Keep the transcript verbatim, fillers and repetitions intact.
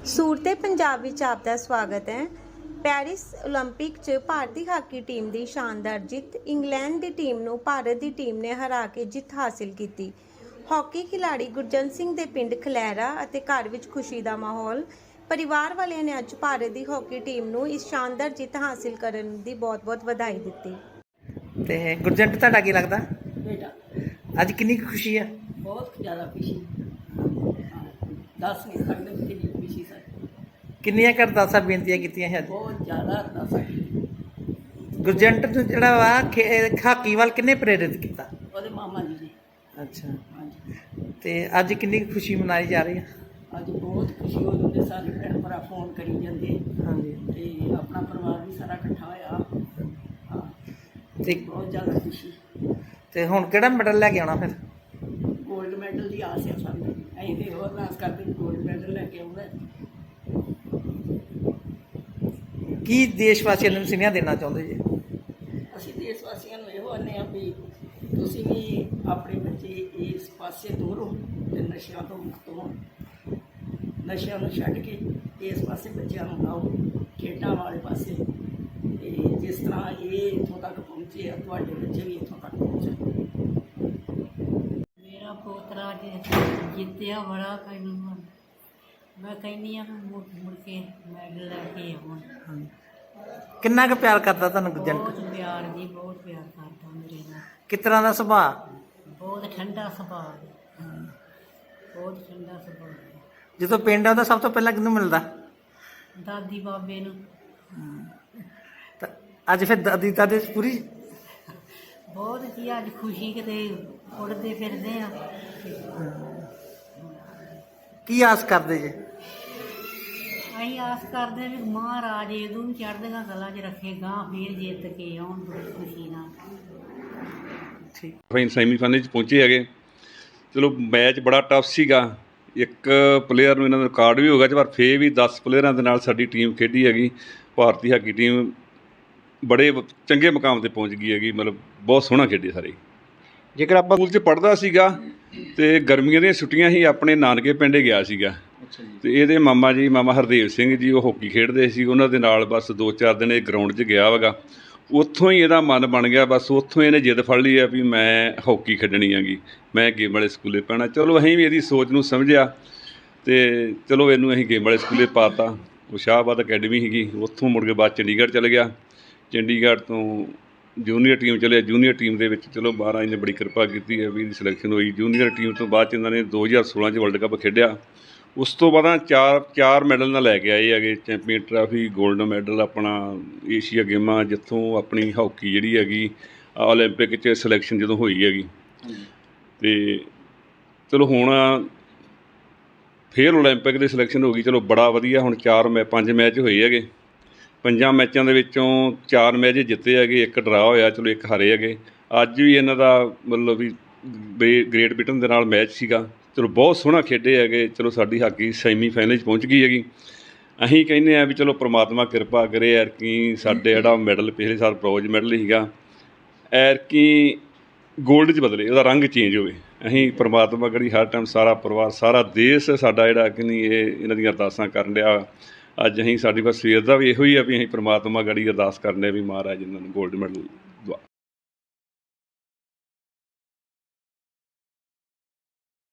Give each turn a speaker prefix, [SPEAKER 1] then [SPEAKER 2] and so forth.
[SPEAKER 1] सूरते पंजाब विच आपका स्वागत है। पैरिस ओलंपिक च भारती हाकी टीम की शानदार जित। इंग्लैंड की टीम नूं भारत की टीम ने हरा के जित हासिल की। हॉकी खिलाड़ी गुरजंत सिंह के पिंड खलैरा अते घर विच खुशी का माहौल। परिवार वालियां ने अज भारत की हॉकी टीम नूं इस शानदार जित हासिल करन दी बहुत बहुत बधाई दी।
[SPEAKER 2] ते गुरजंट तुहाडा की लगदा
[SPEAKER 3] बेटा
[SPEAKER 2] अज किन्नी खुशी है?
[SPEAKER 3] बहुत ज़्यादा खुशी, दस नहीं सकते कितनी खुशी सर।
[SPEAKER 2] किन्नियां कर अरदासां बेनतियां कीतियां है?
[SPEAKER 3] बहुत ज़्यादा अरदासां कीतियां।
[SPEAKER 2] गुरजंट नूं जिहड़ा वा हाकी वाल किन्ने प्रेरित किया?
[SPEAKER 3] ਉਹਦੇ मामा जी ने।
[SPEAKER 2] अच्छा,
[SPEAKER 3] हाँ जी,
[SPEAKER 2] ते अज किन्नी खुशी मनाई जा रही है?
[SPEAKER 3] अज बहुत खुशी हो रही है। सारे भैन भरा फोन करी जाते
[SPEAKER 2] हाँ जी,
[SPEAKER 3] ते अपना परिवार भी सारा इकट्ठा होया। हाँ,
[SPEAKER 2] ते
[SPEAKER 3] बहुत ज़्यादा खुशी।
[SPEAKER 2] ते हुण किहड़ा मैडल लैके आउणा फिर?
[SPEAKER 3] गोल्ड मैडल की आस है सानूं। असीं ते होर अरदास करते गोल्ड मैडल लैके आउणा।
[SPEAKER 2] की देशवासियों नूं सुनेहा देना चाहुंदे जी?
[SPEAKER 3] ਅਸੀਂ ਦੇਸ਼ ਵਾਸੀਆਂ ਨੂੰ ਇਹੋ ਆਨੇ ਆ ਵੀ ਤੁਸੀਂ ਵੀ ਆਪਣੇ ਬੱਚੇ ਇਸ ਪਾਸੇ ਤੋਰੋ ਤੇ ਨਸ਼ਿਆਂ ਤੋਂ ਮੁਕਤ ਹੋਣ। ਨਸ਼ਿਆਂ ਨੂੰ ਛੱਡ ਕੇ ਇਸ ਪਾਸੇ ਬੱਚਿਆਂ ਨੂੰ ਲਾਓ, ਖੇਡਾਂ ਵਾਲੇ ਪਾਸੇ। ਤੇ ਜਿਸ ਤਰ੍ਹਾਂ ਇਹ ਇੱਥੋਂ ਤੱਕ ਪਹੁੰਚੇ ਆ, ਤੁਹਾਡੇ ਬੱਚੇ ਵੀ ਇੱਥੋਂ ਤੱਕ ਪਹੁੰਚਣ।
[SPEAKER 4] मेरा पोतरा जितया बड़ा कहूँ मैं कहनी हाँ मुड़ मुड़ के मैडल लैके आवन।
[SPEAKER 2] किन्ना क प्यार करता तुहानूं गुरजंट?
[SPEAKER 4] बहुत प्यार जी, बहुत प्यार करता मेरे नाल।
[SPEAKER 2] किस तरह का सुभाऽ?
[SPEAKER 4] बहुत ठंडा सुभाऽ, बहुत ठंडा सुभाऽ।
[SPEAKER 2] ਜਦੋਂ ਪਿੰਡ ਆਉਂਦਾ ਸਭ ਤੋਂ ਪਹਿਲਾਂ ਕਿਹਨੂੰ ਮਿਲਦਾ?
[SPEAKER 4] दादी बाबे नूं।
[SPEAKER 2] ਤਾਂ ਅੱਜ ਫਿਰ ਦਾਦੀ ਦਾਦੇ ਪੂਰੀ
[SPEAKER 4] बहुत जी अज खुशी किते उड़ते फिरदे आ।
[SPEAKER 2] ਕੀ ਆਸ ਕਰਦੇ ਜੇ?
[SPEAKER 4] ਅਸੀਂ ਆਸ ਕਰਦੇ ਵੀ ਮਹਾਰਾਜ ਇਹਨੂੰ ਵੀ ਚੜ੍ਹਦੀਆਂ ਕਲਾਂ 'ਚ ਰੱਖੇ, ਗਾਂ ਫੇਰ ਜਿੱਤ ਕੇ ਆਉਣ ਬੜੀ ਖੁਸ਼ੀ ਨਾਲ।
[SPEAKER 2] ਠੀਕ,
[SPEAKER 5] ਫਾਈਨ ਸੈਮੀਫਾਈਨਲ 'ਚ ਪਹੁੰਚੇ ਹੈਗੇ। ਚਲੋ ਮੈਚ ਬੜਾ ਟਫ ਸੀਗਾ। ਇੱਕ ਪਲੇਅਰ ਨੂੰ ਇਹਨਾਂ ਦਾ ਰਿਕਾਰਡ ਵੀ ਹੋ ਗਿਆ, ਪਰ ਫੇਰ ਵੀ ਦਸ ਪਲੇਅਰਾਂ ਦੇ ਨਾਲ ਸਾਡੀ ਟੀਮ ਖੇਡੀ ਹੈਗੀ। ਭਾਰਤੀ ਹਾਕੀ ਟੀਮ ਬੜੇ ਚੰਗੇ ਮੁਕਾਮ 'ਤੇ ਪਹੁੰਚ ਗਈ ਹੈਗੀ। ਮਤਲਬ ਬਹੁਤ ਸੋਹਣਾ ਖੇਡੇ ਸਾਰੇ। ਜੇਕਰ ਆਪਾਂ ਸਕੂਲ 'ਚ ਪੜ੍ਹਦਾ ਸੀਗਾ ਅਤੇ ਗਰਮੀਆਂ ਦੀਆਂ ਛੁੱਟੀਆਂ ਹੀ ਆਪਣੇ ਨਾਨਕੇ ਪਿੰਡ ਗਿਆ ਸੀਗਾ। ਅਤੇ ਇਹਦੇ ਮਾਮਾ ਜੀ ਮਾਮਾ ਹਰਦੇਵ ਸਿੰਘ ਜੀ ਉਹ ਹਾਕੀ ਖੇਡਦੇ ਸੀ, ਉਹਨਾਂ ਦੇ ਨਾਲ ਬਸ ਦੋ ਚਾਰ ਦਿਨ ਇਹ ਗਰਾਊਂਡ 'ਚ ਗਿਆ ਵਗਾ। ਉੱਥੋਂ ਹੀ ਇਹਦਾ ਮਨ ਬਣ ਗਿਆ, ਬਸ ਉੱਥੋਂ ਇਹਨੇ ਜਿੱਦ ਫੜ ਲਈ ਆ ਵੀ ਮੈਂ ਹਾਕੀ ਖੇਡਣੀ ਹੈਗੀ, ਮੈਂ ਗੇਮ ਵਾਲੇ ਸਕੂਲੇ ਪੈਣਾ। ਚਲੋ ਅਸੀਂ ਵੀ ਇਹਦੀ ਸੋਚ ਨੂੰ ਸਮਝਿਆ ਅਤੇ ਚਲੋ ਇਹਨੂੰ ਅਸੀਂ ਗੇਮ ਵਾਲੇ ਸਕੂਲੇ ਪਾ ਤਾ। ਉਹ ਸ਼ਾਹਬਾਦ ਅਕੈਡਮੀ ਸੀਗੀ, ਉੱਥੋਂ ਮੁੜ ਕੇ ਬਾਅਦ ਚੰਡੀਗੜ੍ਹ ਚਲੇ ਗਿਆ। ਚੰਡੀਗੜ੍ਹ ਤੋਂ ਜੂਨੀਅਰ ਟੀਮ ਚਲਿਆ। ਜੂਨੀਅਰ ਟੀਮ ਦੇ ਵਿੱਚ ਚਲੋ ਬਾਰਾਂ ਇਹਨੇ ਬੜੀ ਕਿਰਪਾ ਕੀਤੀ ਹੈ ਵੀ ਇਹਦੀ ਸਿਲੈਕਸ਼ਨ ਹੋਈ। ਜੂਨੀਅਰ ਟੀਮ ਤੋਂ ਬਾਅਦ 'ਚ ਇਹਨਾਂ ਨੇ ਦੋ ਹਜ਼ਾਰ ਸੋਲਾਂ 'ਚ ਵਰਲਡ ਕੱਪ ਖੇਡਿਆ। ਉਸ ਤੋਂ ਬਾਅਦ ਚਾਰ ਚਾਰ ਮੈਡਲ ਨਾਲ ਲੈ ਕੇ ਆਏ ਹੈਗੇ। ਚੈਂਪੀਅਨ ਟਰਾਫੀ, ਗੋਲਡ ਮੈਡਲ, ਆਪਣਾ ਏਸ਼ੀਆ ਗੇਮਾਂ, ਜਿੱਥੋਂ ਆਪਣੀ ਹਾਕੀ ਜਿਹੜੀ ਹੈਗੀ ਓਲੰਪਿਕ 'ਚ ਸਿਲੈਕਸ਼ਨ ਜਦੋਂ ਹੋਈ ਹੈਗੀ। ਅਤੇ ਚਲੋ ਹੁਣ ਫੇਰ ਓਲੰਪਿਕ ਦੀ ਸਿਲੈਕਸ਼ਨ ਹੋ ਗਈ। ਚਲੋ ਬੜਾ ਵਧੀਆ। ਹੁਣ ਚਾਰ ਮੈ ਪੰਜ ਮੈਚ ਹੋਏ ਹੈਗੇ। ਪੰਜਾਂ ਮੈਚਾਂ ਦੇ ਵਿੱਚੋਂ ਚਾਰ ਮੈਚ ਜਿੱਤੇ ਹੈਗੇ, ਇੱਕ ਡਰਾ ਹੋਇਆ, ਚਲੋ ਇੱਕ ਹਾਰੇ ਹੈਗੇ। ਅੱਜ ਵੀ ਇਹਨਾਂ ਦਾ ਮਤਲਬ ਵੀ ਗ੍ਰੇ ਗ੍ਰੇਟ ਬ੍ਰਿਟਨ ਦੇ ਨਾਲ ਮੈਚ ਸੀਗਾ। ਚਲੋ ਬਹੁਤ ਸੋਹਣਾ ਖੇਡੇ ਹੈਗੇ। ਚਲੋ ਸਾਡੀ ਹਾਕੀ ਸੈਮੀ ਫਾਈਨਲ 'ਚ ਪਹੁੰਚ ਗਈ ਹੈਗੀ। ਅਸੀਂ ਕਹਿੰਦੇ ਹਾਂ ਵੀ ਚਲੋ ਪ੍ਰਮਾਤਮਾ ਕਿਰਪਾ ਕਰੇ। ਐਰਕੀ ਸਾਡੇ ਜਿਹੜਾ ਮੈਡਲ ਪਿਛਲੇ ਸਾਲ ਬ੍ਰੌਂਜ ਮੈਡਲ ਸੀਗਾ, ਐਰਕੀ ਗੋਲਡ 'ਚ ਬਦਲੇ, ਉਹਦਾ ਰੰਗ ਚੇਂਜ ਹੋਵੇ। ਅਸੀਂ ਪ੍ਰਮਾਤਮਾ ਕਰੀ ਹਰ ਟਾਈਮ ਸਾਰਾ ਪਰਿਵਾਰ ਸਾਰਾ ਦੇਸ਼ ਸਾਡਾ ਜਿਹੜਾ ਕਿ ਨਹੀਂ ਇਹ ਇਹਨਾਂ ਦੀਆਂ ਅਰਦਾਸਾਂ ਕਰਨ ਡਿਆ। ਅੱਜ ਅਸੀਂ ਸਾਡੀ ਬਸ ਸਵੇਰ ਦਾ ਵੀ ਇਹੋ ਹੀ ਆ ਵੀ ਅਸੀਂ ਪ੍ਰਮਾਤਮਾ ਗੜੀ ਅਰਦਾਸ ਕਰਨੇ ਵੀ ਮਹਾਰਾਜ ਇਹਨਾਂ ਨੂੰ ਗੋਲਡ ਮੈਡਲ